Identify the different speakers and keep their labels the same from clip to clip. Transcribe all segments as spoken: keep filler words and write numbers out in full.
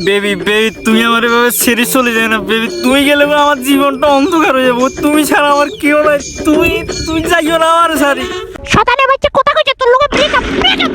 Speaker 1: Baby baby তুমি আমার এভাবে ছেড়ে চলে যায় না বেবি, তুমি গেলে পরে আমার জীবনটা অন্ধকার হয়ে যাবো। তুমি ছাড়া আমার কেউ নাই, তুমি তুমি যাইও না আমার সারি।
Speaker 2: শতানে বাচ্চা কথা কইছে তোর লোকে ব্রেকআপ ব্রেকআপ।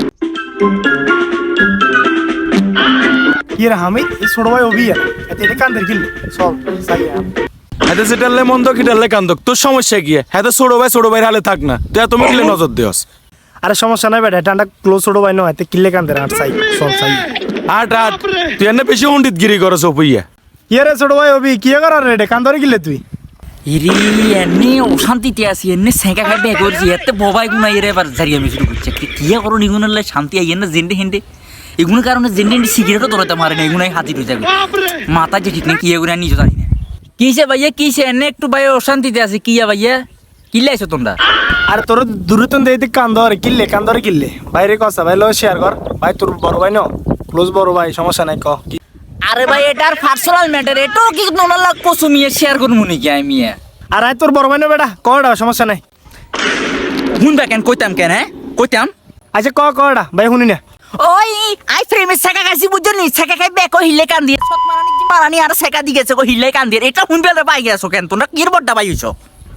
Speaker 3: কি রে হামিদ, এই ছোট ভাই অভি আর এতে এটা কান্দের কিনলে চল সাই
Speaker 4: হাতে সেটালে মন্দ কিটালে কান্দক, তোর সমস্যা কি? হাতে ছোট ভাই ছোট ভাইয়ের হালে থাক না, তুই এত মিলে নজর দিওস।
Speaker 3: আরে সমস্যা নাই বেটা, এটা ক্লোজ ছোট ভাই নয়, এতে কিনলে কান্দের আর সাই চল সাই
Speaker 4: আট আট তুই এনে বেশি উন্ডিত গিরি করছ ওপইয়া।
Speaker 3: কি রে ছোট ভাই অভি কি করার রে, এটা কান্দরে কিনলে তুই?
Speaker 1: ইরি এনে অশান্তিতে আছি, এনে সেঁকা খাই বে করছি, এতে ববাই গুনা এর এবার জারিয়া আমি শুরু করছে। কিয়া করো নিগুনের লাই শান্তি আই না জেন্ডে হেন্ডে এগুলোর কারণে জেন্ডে হেন্ডে সিগারেটও ধরাতে পারে না, এগুলাই হাজির হয়ে যাবে মাথা যে ঠিক নেই কি এগুলো নিজে জানি না। কিসে ভাইয়া কিসে এনে একটু ভাই অশান্তিতে আছে, কিয়া ভাইয়া কিলে আইছো তোমরা?
Speaker 3: আরে তোর দূরতন দেইতে কান্দরে কিনলে কান্দরে কিনলে বাইরে কসা ভাই লো শেয়ার কর ভাই, তোর বড় ভাই ন ক্লোজ বড় ভাই, সমস্যা নাই ক।
Speaker 1: আরে ভাই এটার পার্সোনাল ম্যাটার, এটাও কি নোনা লাগ কসুমিয়ে শেয়ার করবো নাকি আমি?
Speaker 3: আর আয় তোর বড় ভাই না বেটা কটা, সমস্যা নাই।
Speaker 1: শুনবা কেন কইতাম কেন? হ্যাঁ কইতাম।
Speaker 3: আচ্ছা ক কটা ভাই শুনি না।
Speaker 1: ওই আই ফ্রেমে সেকা খাইছি বুঝছো নি, সেকা খাই বেক হিলে কান দিয়ে সত মারানি কি মারানি আর সেকা দি গেছে কো হিলে কান দিয়ে, এটা শুনবে না পাই গেছো কেন তোমরা কির বড়টা পাই হইছো?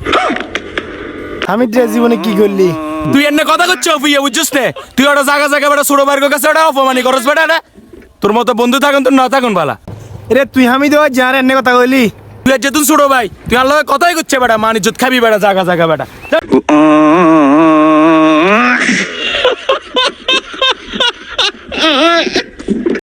Speaker 3: হামিদ রে জীবনে কি করলি?
Speaker 4: তুই এনে কথা করছো ওপইয়া বুঝছস নে, তুই ওটা জায়গা জায়গা বেটা ছোট ভাইয়ের কাছে ওটা অপমানি করস বেটা না। তোর মতো বন্ধু থাকুন তোর না থাকুন বালা।
Speaker 3: রে তুই হামিদ ওই যার এনে কথা কইলি?
Speaker 4: তুই আর যেতুন ছোট ভাই, তুই আর লগে কথাই করছে বেটা, মান ইজ্জত খাবি বেটা জায়গা জায়গা বেটা।